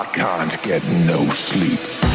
I can't get no sleep.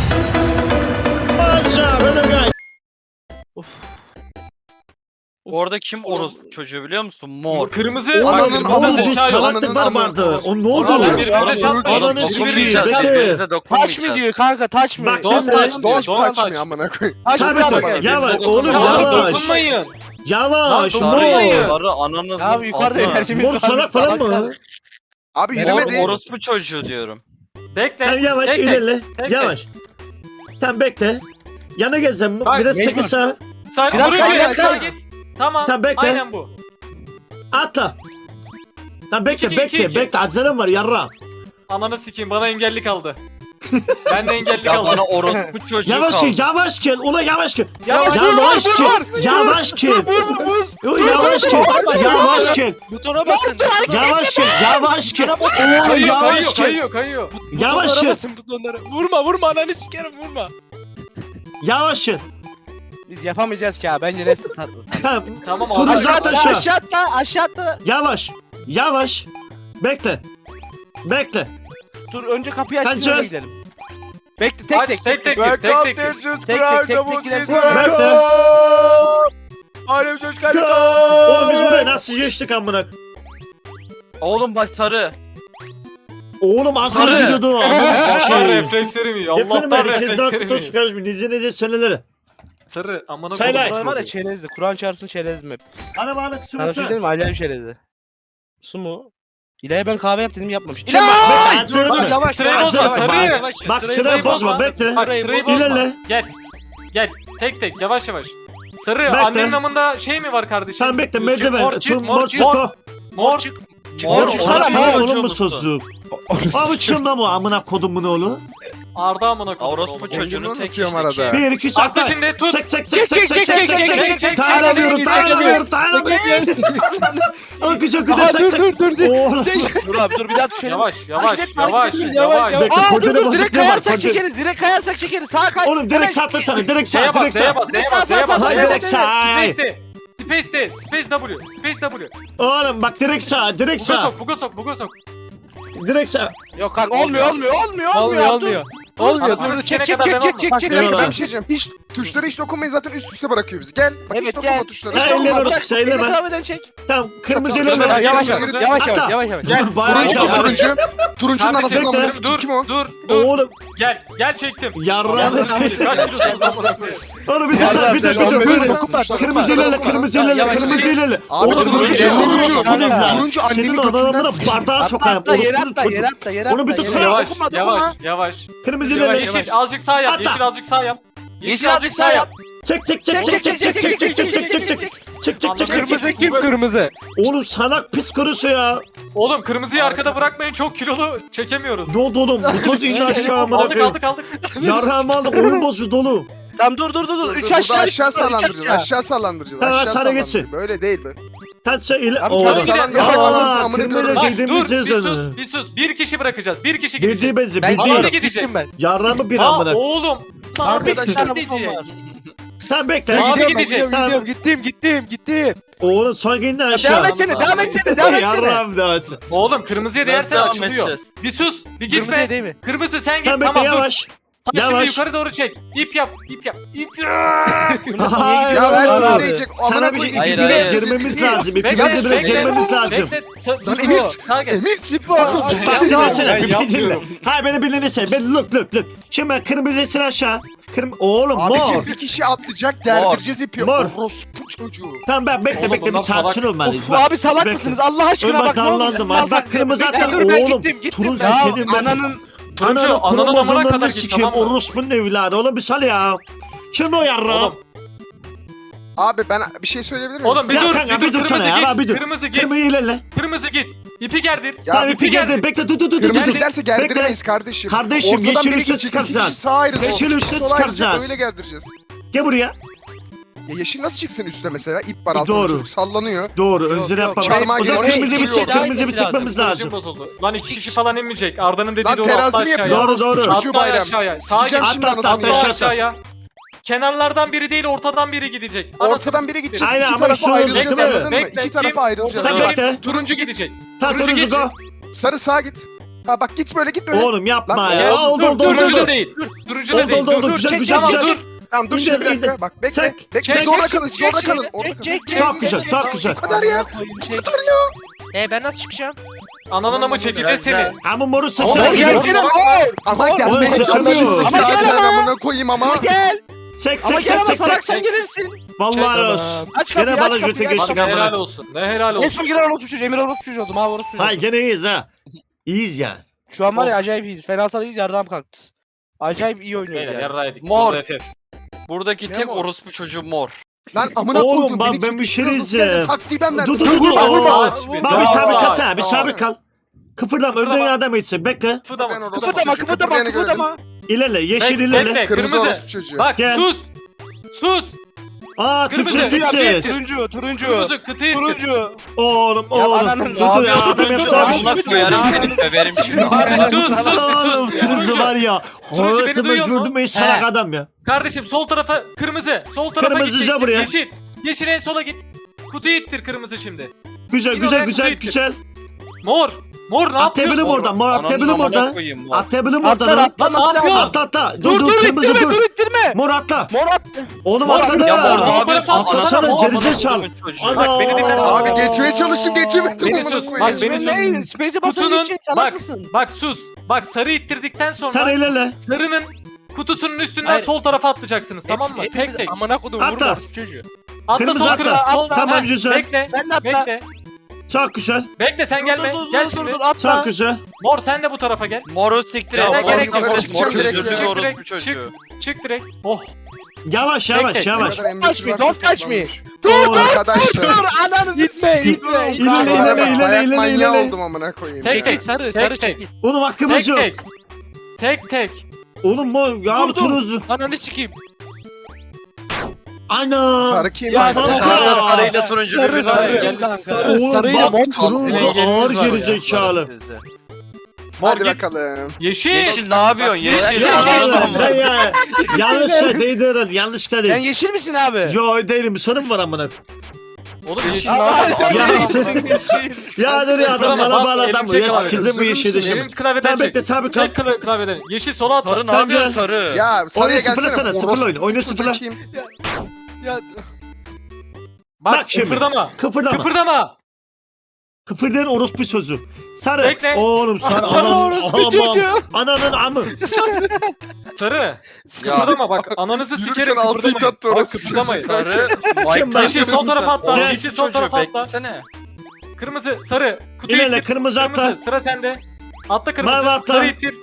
Orada kim orospu çocuğu biliyor musun? Mor. Kırmızı. Ananın Kırmızı amı, zeka yok. salaklıklar vardı. O ne oldu? Ananın birbirine çarpmayın. Ananı Birbirine sikeyim, çarpmayın. bekle. Birbirinize Taç dokunmayacağız. mı diyor kanka taç mı? Bak, Don't Don't touch diyor. Don't touch me touch. amına koyayım. Taç Sabit mı ol. diyor? Yavaş oğlum Tamam yavaş. dokunmayın. Yavaş. Lan, Mor. dokunmayın. Sarı ananız. Abi yukarıda enerjimiz Mor var. salak falan mı? Abi Mor yürümedi. orospu çocuğu diyorum. Bekle. Tamam yavaş bekle. ilerle. Bekle. Yavaş. Tamam bekle. Yana gezeceğim. Bak, Biraz mecbur. sıkı sağ. Sen Biraz dur sağa git, gel, sağa sağa. git. Tamam. Tamam, bekle. Aynen bu. Atla. Tamam bekle İki, bekle iki, iki. bekle. Acelem var yarra. Ananı sikeyim bana engelli kaldı. Ben de engelli Ya kaldım. bana orospu çocuğu Yavaş kaldı. gel yavaş gel. Ula yavaş gel. Yavaş Yavaş gel. Yavaş gel. Yavaş gel. Yavaş gel. Butona basın. Yavaş gel. Yavaş gel. Oğlum Kayıyor, yavaş kayıyor, gel. kayıyor. Yavaş Butonlara gel. basın butonlara. Vurma ananı sikerim vurma. Yavaş gel. Biz yapamayacağız ki abi. Bence rest Tamam. Tamam Turu abi. zaten Aşağı şu. aşağı atla. Yavaş. Yavaş. Bekle. Bekle. Dur önce kapıyı Hadi açsın öyle gel. gidelim. Bekle tek Aç, tek. tek tek gir, tek tek gir. tek gidersin. Bekle. Alem çocuk Oğlum biz buraya nasıl geçtik amına? Oğlum bak sarı. Oğlum asıl Sarı. gidiyordu. Amına Allah'tan sikeyim. reflekslerim iyi. Efendim Allah'tan herkes reflekslerim hakkında iyi. su karışmış. Nice seneleri. Sarı amına Sayla. koydum. Burası var ya çerezli. Kur'an çarpsın çerezli hep. Ana balık Sana bir şey sunusu. diyeyim mi? Acayip çerezli. Su mu? İlaya ben kahve yap dedim yapmamış. Şimdi bak bekle. Sırayı bozma. Yavaş Sırayı yavaş bozma, yavaş. sarıyı. Yavaş, Bak sırayı sırayı bozma. bozma bekle. Bak sırayı bozma. İlerle. Gel. Gel. Tek tek yavaş yavaş. Sarı Bekle. annenin namında şey mi var kardeşim? Tamam bekle Mor merdiven. çık, Mor mor çık. Mor. Çık. Mor Mor orospu sana çocuğu mor oğlum mu musun? sözlük? Abi çımla bu amına kodumun oğlu. Arda amına koydum. Orospu çocuğunu tek unutuyorum işte arada. ki. 1 2 3 Atla atla. şimdi tut. Çek çek çek çek çek çek çek çek. Dayanamıyorum dayanamıyorum. Akış akış çek çek. dur. Oğlum. Dur abi dur bir daha düşelim. Yavaş yavaş Hareket etme, yavaş hareket etme, yavaş. Bekle Aa dur kodene dur direkt basık ne var? kayarsak Kodene. çekeriz. Direkt kayarsak çekeriz. Sağa kay. Oğlum direkt sağ sana direkt D'ye sağ bas, direkt D'ye sağ. bas, D'ye bas, D'ye bas. Hayır direkt sağ. Space D. Space D. Space W. Space W. Oğlum bak direkt sağ direkt Buga sağ. sok, buga sok, buga sok. Direkt sağ. Yok kanka olmuyor. Olmuyor. Dur, Çek çek çek çek çek. çek. Eyvallah. Ben bir şey diyeceğim. Hiç tuşlara hiç dokunmayın zaten üst üste bırakıyor bizi. Gel. Bak hiç Evet, dokunma gel. tuşlara. Ha, elle orası söyleme. Kahveden çek. Tamam kırmızı Tamam, ilerle. yavaş, yavaş, Hatta. Gel. Bayağı Turuncu yapma. turuncu. Turuncunun Kardeşim, anasını bekle. amına sikeyim. Kim o? Dur. Oğlum Gel çektim. yarrağını Kaç sikeyim. kilosun? Oğlum bir dur sen bir dur bir dur. Böyle Böyle. dokunma, Kırmızı ilerle kırmızı ilerle Yavaş, kırmızı ilerle. Abi, Oğlum turuncu, turuncu annenin Senin götünden adamına sikeyim. bardağa sokayım. Atla yere Orospunun atla çocuğu. yere atla yere atla. Onu bir tutsana. Yavaş Dokunma, yavaş. Kırmızı ilerle. Yeşil azıcık sağ yap. Atla. Yeşil azıcık sağ yap. Yeşil azıcık sağ yap. Çek çek çek çek çek çek çek çek çek çek çek çek çek. Çık çık çık çık Kırmızı çık. kim kırmızı? Oğlum salak pis kurusu ya. Oğlum kırmızıyı arkada bırakmayın çok kilolu çekemiyoruz. Ne oldu oğlum? Bu toz indi aşağı amına Aldık koyayım. aldık. Yarrağımı aldık oyun bozuldu oğlum. Tamam dur. 3 Burada aşağı. aşağı üç sallandıracağız. aşağı. Aşağı sallandıracağız. Tamam, Aşağı sana sallandıracağız. geçsin. Böyle değil be. Sen söyle. Abi, Oğlum. tamam, Aa amına kırmızı koyayım. Bak dediğimiz dur sözü. bir sus. Bir kişi bırakacağız. Bir kişi gidecek. Bildiği benzi Ben Ama biri bildiği. gidecek. ben. Yarrağımı bir Aa amına. oğlum. Arkadaşlar, Abi gidecek. Tamam bekle. Abi Gidiyorum, gidecek. gidiyorum, gittim. Oğlum son indi Devam aşağı. etsene devam etsene. Yarrağım da açsın. Oğlum kırmızıya Nasıl değersen devam açılıyor. edeceğiz? Bir sus. Bir gitme. Kırmızıya değil mi? Kırmızı sen git Tamam bekle tamam dur. yavaş. Sen şimdi Yavaş. yukarı doğru çek. İp yap. Hayır Ya ben oğlum. bunu diyecek. Sana Amına bir şey koyayım. Hayır, ipimize hayır. girmemiz lazım. Bekle, İpimize biraz girmemiz lazım. Lan Emir. Sağa gel. Emir Sipo. Bak dinlesene Ben bir dinle. yapmıyorum. Hayır beni bir dinlesene. Ben look. Şimdi ben kırmızısını aşağı. Oğlum Abi mor. şimdi bir kişi atlayacak derdireceğiz ipi. Mor. Orospu çocuğu. Tamam ben bekle Oğlum bekle bir bunlar sakin salak. olmalıyız. Of Bak. abi salak Bekle. mısınız Allah aşkına Dur bak bak ne olur. dallandım abi. Bak kırmızı hatta dur, ben oğlum. gittim. Turuncu Ya senin ben. ananın Turuncu ananın amına kromozomlarını kadar git sikeyim. tamam mı? Orospunun evladı. Oğlum bir sal ya. Şimdi o yarrağım. Oğlum, Abi ben bir şey söyleyebilir miyim? oğlum bir Ya dur, kanka, bir bir dur, dursana kırmızı ya, git, bir dur. kırmızı git, Kırmızı ilerle. kırmızı git. İpi gerdir. Ya Tamam ipi ipi geldi. Bekle dur. Kırmızı Gel. giderse gerdiremeyiz kardeşim. Kardeşim, Ortadan yeşil biri üste gidecek, çıkaracağız. iki kişi sağa ayrılacak, Yeşil iki üste kişi sola ayrılacak, çıkaracağız. Öyle gerdireceğiz. Gel buraya. Ya yeşil nasıl çıksın üstte mesela? İp var altında Doğru. çocuk sallanıyor. Doğru önzeri yapalım. çarmıha O zaman girelim. kırmızı bir Oraya kırmızı bir sıkmamız lazım. Bozuldu. Lan iki kişi falan inmeyecek. Arda'nın dediği Lan doğru. Atla terazimi aşağıya. yapıyor. Doğru, doğru. Çocuğu Atla bayram. aşağıya. Sağa Sikeceğim git. şimdi Atla, anasını atla, ya. atla. Aşağıya. Kenarlardan biri değil ortadan biri gidecek. Ortadan biri gidecek. Aynen, İki ama tarafa şu- ayrılacağız Bekle, anladın mı? bekle, İki tarafa kim? ayrılacağız. Tamam, Ortadan bekle. git, Turuncu git. gidecek. Tamam Turuncu turuncu go. geçecek. Sarı sağa git. Ha bak git böyle git böyle. Oğlum yapma Lan, ya. Oldu Turuncu da oldu. değil. Turuncu da değil. Oldu Dur, güzel çek, güzel tamam, güzel. dur. Tamam dur İndir, şimdi bir dakika. indir. Bak bekle. Çek, Bekle çek, siz orada çek, kalın siz çek, orada çek, kalın. çek, Orada çek, kalın. çek, Çok güzel çok güzel. Bu kadar ya. Bu kadar ya. Ben nasıl çıkacağım? Ananı mı çekeceğiz seni? Ama moru Ama sıçra. gel, Gel gel. canım. Ama Oğlum, gelmeye sıçramıyor. çalışsın. Ama gel ama. Amına koyayım ama. Gel. Çek Ama çek gel çek ama çek salak çek. sen gelirsin. Vallahi olsun. Aç kapıyı, Gene aç bana kapıyı, göte aç geçtik Bak, helal amına. olsun. Ne helal En olsun. son giren orospu çocuğu. Emir orospu çocuğu oldum. Ha orospu çocuğu. Hay gene iyiyiz ha. İyiyiz ya. Şu an var ya acayip iyiyiz. Fenasal iyiyiz yarrağım kalktı. Acayip iyi oynuyoruz Beyler yani. yarraydık. Mor. Burada FF. Buradaki Ne tek mor? orospu çocuğu mor. Lan amına Oğlum, koydum. ben beni bir şey çekiştiriyorsunuz. diyeceğim. Taktiği ben verdim. Dur dur dur. vurma. Bak bir sabit kal sen. Bir Tamam. sabit kal. Kıpırdama önden adam etsin. Bekle. Ben Fıdama. orospu Kıpırdama çocuğu, kıpırdama kıpırdayana göre kıpırdama. İlerle. Yeşil Bekle, ilerle. bekle. Kırmızı Kırmızı. orospu çocuğu. Bak Gel. sus. Sus. Aa Kırmızı, Türkçe Türkçe. Turuncu turuncu. Kırmızı kıtıyı ittir. Turuncu. Oğlum Ya oğlum. ananın- Dur dur ya adam yapsa bir şey. Allah koyarım seni döverim şimdi. Oğlum Tırızı var ya. Turuncu beni Hayatımda duyuyor mu? gördüm en salak adam ya. Kardeşim sol tarafa kırmızı. Sol tarafa Kırmızıca gideceksin. buraya. Yeşil. Yeşil en sola git. Kutuyu ittir kırmızı şimdi. Güzel Yine güzel oraya güzel kutuyu ittir. güzel. Mor. Mor ne Atlayabilirim yapıyorsun? oradan. Mor atlayabilirim oradan. Atlayabilirim Atlar oradan. atlar. Lan ne yapıyorsun? Atla atla. Dur dur kırmızı ittirme dur. dur ittirme. Mor atla. Mor at. Oğlum Mor atladı. Ya mor ne Atlasana, yapıyorsun? atlasana, Ananı gerizekalı. avradını çocuğu. Ana. Bak, beni dinle. Abi geçmeye çalıştım geçemedim Beni amına sus, koyayım. bak, beni sus. Ne? Space'e basan Kutunun için salak bak mısın? bak sus. Bak sarı ittirdikten sonra Sen ilerle. sarının kutusunun üstünden Hayır. sol tarafa atlayacaksınız tamam mı? Tek tek. Amına kodum Atla. vurma orospu çocuğu. Atla Kırmızı sol atla. kırmızı. Sol. Tamam, Heh, güzel. Bekle. Sen de atla. Bekle. Çok güzel. Bekle sen gelme. Gel şimdi. atla. Çok güzel. Mor sen de bu tarafa gel. Moru siktir Ya, et. mor Mor gerek yok, mor mor mor direkt özürlü ya. bir orospu Direkt çocuğu. Çık direkt. Oh. Yavaş Tek yavaş tek. yavaş. Don't touch me, don't touch me. Oğlum. Arkadaşlar. Dur ananı gitme gitme. İlerle, ilerle, Bayak ilerle, manyağı ilerle. oldum amına koyayım. Tek tek. sarı Tek tek. Oğlum hakkımız Tek yok. tek. Tek tek. Oğlum bu ya bu turuzlu. Ananı sikeyim. Ana. Sarı kim? Ya, Sarı. sarı. Sarı sarıyla turuncu Sarı, birbirine sarı. ayrı. Gel. Sarı, Oğlum sarıyla bak mor. turuzlu Sinirleriniz ağır var ya, gerizekalı. sizi. Mor Hadi git. bakalım. Yeşil. Yeşil ne yapıyorsun? Yeşil. Ya Yeşil. oğlum ben ya. Yanlış şey değildi herhalde. Yanlış Sen değil. yeşil misin abi? Yo değilim. Bir sorun var amına. Oğlum Yeşil yeşil. ne yapıyorsun? Ya. Ya dur ya adam bana bağlı adam bu. Ya sikizim bu yeşilde Benim şimdi. Klavyeden Tamam çek. bekle sabit kal. Çek klavyeden. Yeşil sola atla. Sarı ne Tamam, yapıyorsun gel. sarı? Ya sarıya Oyna sıfırla gelsene. sana. Sıfırla oyna. Oyna sıfırla. Bakayım. Ya Bak şimdi. Kıpırdama. Kıpırdama. Kıpırdama. Kıpırdayan orospu sözü. Sarı. Bekle. Oğlum sarı. Sarı Ananın orospu amam. çocuğu. Ananın amı. Sarı. Ya Kıpırdama bak ananızı Yürürken sikerim altı it kıpırdamayın. attı Bak orası. kıpırdamayın. sarı. Kim ben? Yeşil sol tarafa atla. Gel. Yeşil sol tarafa atla. Beklesene. Kırmızı sarı. Kutuyu İlerle ittir. kırmızı atla. Kırmızı sıra sende. Atla kırmızı. Mavi atla. Sarı ittir.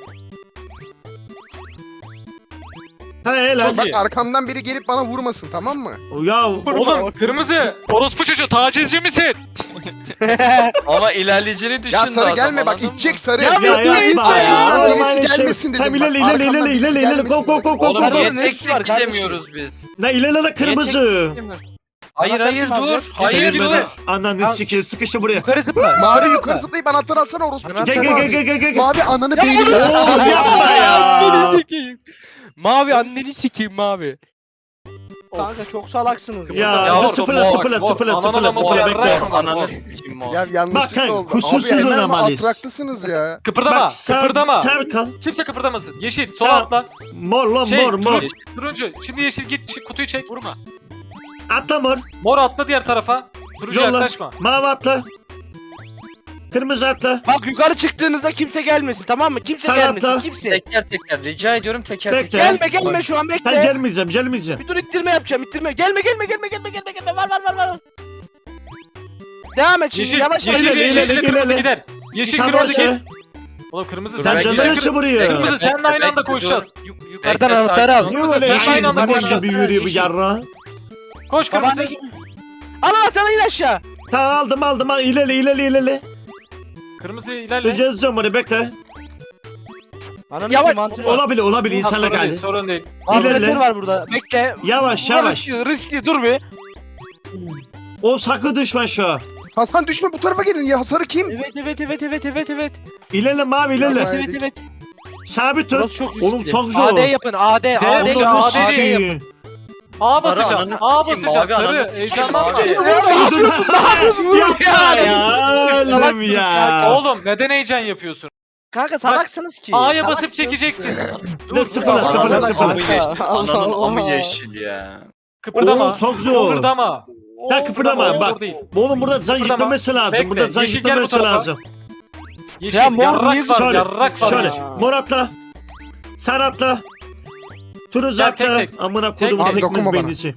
Ha helal. Çok Bak iyi. arkamdan biri gelip bana vurmasın tamam mı? Ya Oğlum kırmızı. Orospu çocuğu tacizci misin? Ama ilerleyeceğini düşün Ya sarı adam, gelme bak anladın mı? itecek sarı. Ya ya yapma ya. Arkamdan Oğlum aynı birisi şey. gelmesin dedim. Tam bak. ilerle Arkamdan ilerle birisi ilerle ilerle. Go gelmesin go dedim. go go Oğlum go. Sarı- niye ne tek işi var tek kardeşim? gidemiyoruz biz? La ilerle kırmızı. Hayır hayır dur. Hayır Senin dur. böyle Ananı sikeyim sıkıştı buraya. yukarı zıpla. Mavi yukarı zıplayıp anahtarı alsana orospu. Anahtar Gel çocuğu gel mavi. gel gel gel. Mavi ananı beynini Oğlum sikeyim. yapma ya. Anneni sikeyim. Mavi anneni sikeyim mavi. Kanka çok salaksınız. Ya Ya dur orada sıfırla mor, sıfırla mor. sıfırla Ananı sıfırla da sıfırla mor bekle. yarrak. Ananı sikeyim o. Ya Bak yanlışlıkla kanka, oldu. kusursuz Abi hemen oynamalıyız. atraklısınız ya. Kıpırdama. Bak sen Kıpırdama. sen kal. Kimse kıpırdamasın. Yeşil sola Tamam. atla. Mor lan mor mor. Turuncu. Şimdi yeşil git kutuyu çek. Vurma. Atla mor. Mor atla diğer tarafa. Turuncu Yolla. yaklaşma. Mavi atla. Kırmızı atla. Bak yukarı çıktığınızda kimse gelmesin tamam mı? Kimse Sen gelmesin atla. kimse. Teker teker rica ediyorum teker Bekle. teker. Gelme şu an Ben bekle. gelmeyeceğim. Bir dur ittirme yapacağım ittirme. Gelme. Var. Devam et şimdi Yeşil. yavaş Yeşil. yavaş. ilerle, Yeşil. Kırmızı ilerle. gider. Yeşil Tamam kırmızı şey. git. Oğlum kırmızı Dur, Sen ben canını yeşil- açı buraya. Kırmızı seninle aynı anda Bekle, koşacağız. Yukarıdan Bekle, anahtarı sakin al. ol. Niye öyle Sen aynı anda yeşil koşacağız. gibi yürüyor bu Yeşil. yarra? Koş kırmızı. Babandaki... Al anahtarı in aşağı. Tamam aldım al ilerle. Kırmızı ilerle. Gezeceğim oraya bekle. Yavaş. Olabilir insanlık Sorun hali. değil, sorun değil. Vantilatör İlerle. var burada. Bekle. Yavaş Bu yavaş. riskli dur bir. O sakın düşman şu an. Hasan düşme bu tarafa gelin ya. Sarı kim? Evet. İlerle mavi ilerle. Tamam. Evet. Sabit dur. Burası çok Oğlum riskli. çok zor. AD yapın AD. Oğlum, AD. Onu AD sikeyim. A Sarı basacağım. ananı A sikeyim, basacağım. mavi ananı Sarı. sikeyim, Heyecanlanma. mavi. Yapma ya. Oğlum ya. Oğlum neden heyecan yapıyorsun? Kanka salaksınız ki. A'ya Salak basıp çekeceksin. Ne sıfırla sıfırla Ananın sıfırla. amı yeşil. Allah Ananın amı Allah. yeşil ya. Kıpırdama. Oo, çok zor. Kıpırdama. Ya kıpırdama bak. Olur değil. Oğlum burada can Kıpırdama. gitmemesi lazım. Bekle, Burada can yeşil gel bu gitmemesi tarafa. lazım. Yeşil. Ya mor yarrak niye var. Şöyle, Yarrak var. şöyle. yeşil. Mor atla. Sarı atla. Turuncu Gel, atla. tek tek. Amına Tek kodumun tek. pekmez Dokunma bana. beynisi.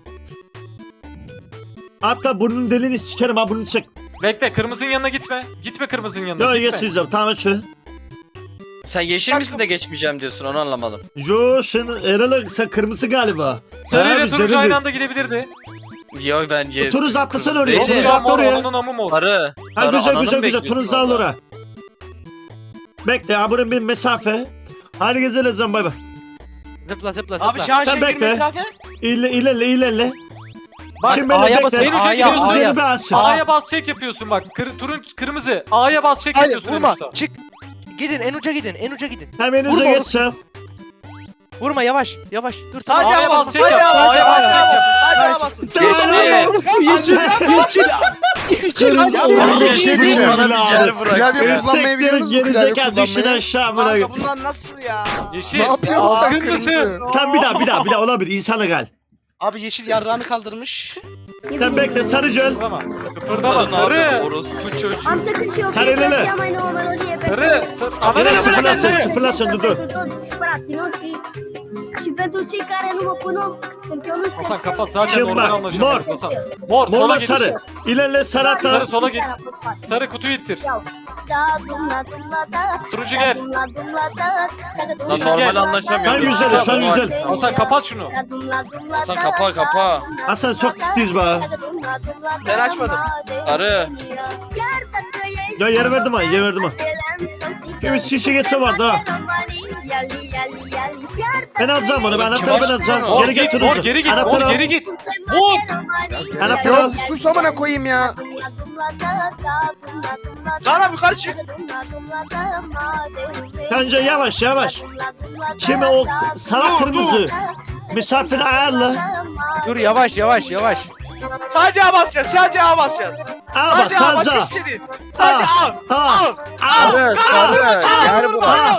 Atla burnun deliğini sikerim ha burnunu çek. Bekle kırmızının yanına gitme. Gitme kırmızının yanına. Yo gitme. geçmeyeceğim tamam şu. Sen yeşil misin de geçmeyeceğim diyorsun onu anlamadım. Yo sen Eral'ı sen kırmızı galiba. Sarı Ha, ile bir turuncu canım aynı bir- anda gidebilirdi. Yo bence. Turuncu atlasana kırmızı oraya, değil. turuncu Ama atla oraya. Onun amı mı? Sarı. Ha Sarı güzel ananı güzel güzel bekliyorsun turuncu al orada. oraya. Bekle ha bunun bir mesafe. Hadi gezelim bay bay. Zıpla zıpla Abi zıpla. Çağan Sen Şengül bekle. mesafe. İlerle. Bak Şimdi A'ya bekle. basın, A'ya, Kırmızı A'ya. yeri bir açsın. A'ya bas çek yapıyorsun bak. Kırmızı. A'ya bas çek Hayır yapıyorsun. vurma. en uçta. Çık. Gidin en uca gidin en uca gidin. Hemen Vurma önce oğlum. geçeceğim. Vurma yavaş yavaş. Dur tamam. Hadi A'ya ama, bas çek hadi yap. ama, A'ya bas çek yap. Hadi amasın. Geçti. Kırmızı Ya, oğlum bir şey diyeyim mi? Bana bir yer bırak. Klavye ya. kullanmayı biliyor musun? Klavye Gerizekalı düşün kullanmayı. aşağı amına. Kanka bunlar nasıl ya? Yeşil. Ne yapıyorsun sen Kırmızı. kırmızı? Tam bir daha olabilir insana gel. Abi yeşil yarrağını kaldırmış. Sen bekle sarıcıl. Kıpırdama. Kıpırdama. Sarı ne Sarı. yapıyor? Orospu çocuğu. Sarı elele. Sarı. Yine Ananı sıfırlasın bırak. sıfırlasın dur. Hasan kapat zaten Şimdi oradan bak, anlaşamıyoruz mor. Hasan. Mor. Morla Sola git. sarı. İlerle sarı atla. Sarı sola git. Sarı kutuyu ittir. Turuncu gel. Lan normal anlaşamıyoruz. Ben güzel, şu an güzel. Hasan kapat şunu. Hasan kapa. Hasan çok titiz be. Ben açmadım. Sarı. Ya yer verdim ha yer verdim ha. Üç şişe geçse vardı ha. Ben alacağım onu ben anahtarı ben alacağım. Mor, Mor Geri git. getir Mor onu. geri git. Anahtarı Mor al. geri git. Mor. Anahtarı Ya al. sus amına koyayım ya. Çağan abi yukarı çık. Bence yavaş. Şimdi o sarı kırmızı. Misafiri ayarla. Dur yavaş yavaş yavaş. Sadece A basacağız. Sadece A basacağız. Al bak Sadece A. Başka salza. hiçbir şey değil. Sadece A. Al. Al. Sarı. Sarı. Gel buraya.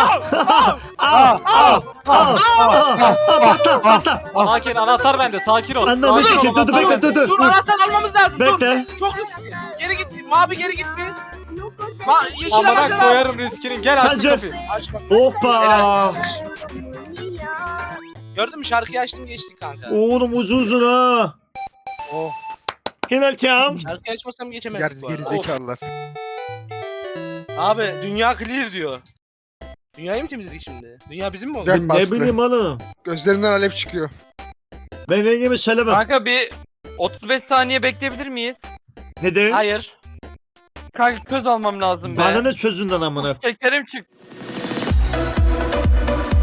Patla. Sakin anahtar bende. Sakin ol. Anlamı Sakin ol, sikim. Dur anahtar bekle bende. dur. Dur anahtar almamız lazım. Bekle. Dur. Çok riskli. Geri git. Mavi geri git bir. Yeşil Amına anahtar al. koyarım riskinin. Gel aç Bence- kapıyı. Aç bak. Hoppa. Gördün mü şarkıyı açtım geçtik kanka. Oğlum uzun ha. Oh. Hineltiam. Şarkıyı açmasam geçemezdik bu arada. Gerizekalılar. Abi dünya clear diyor. Dünyayı mı temizledik şimdi? Dünya bizim mi oldu? Gel. Ne bastı. bileyim oğlum. Gözlerinden alev çıkıyor. Ben rengimi söylemem. Kanka bir 35 saniye bekleyebilir miyiz? Neden? Hayır. Kanka köz almam lazım be. Bana ne çözünden amına. Şekerim çık.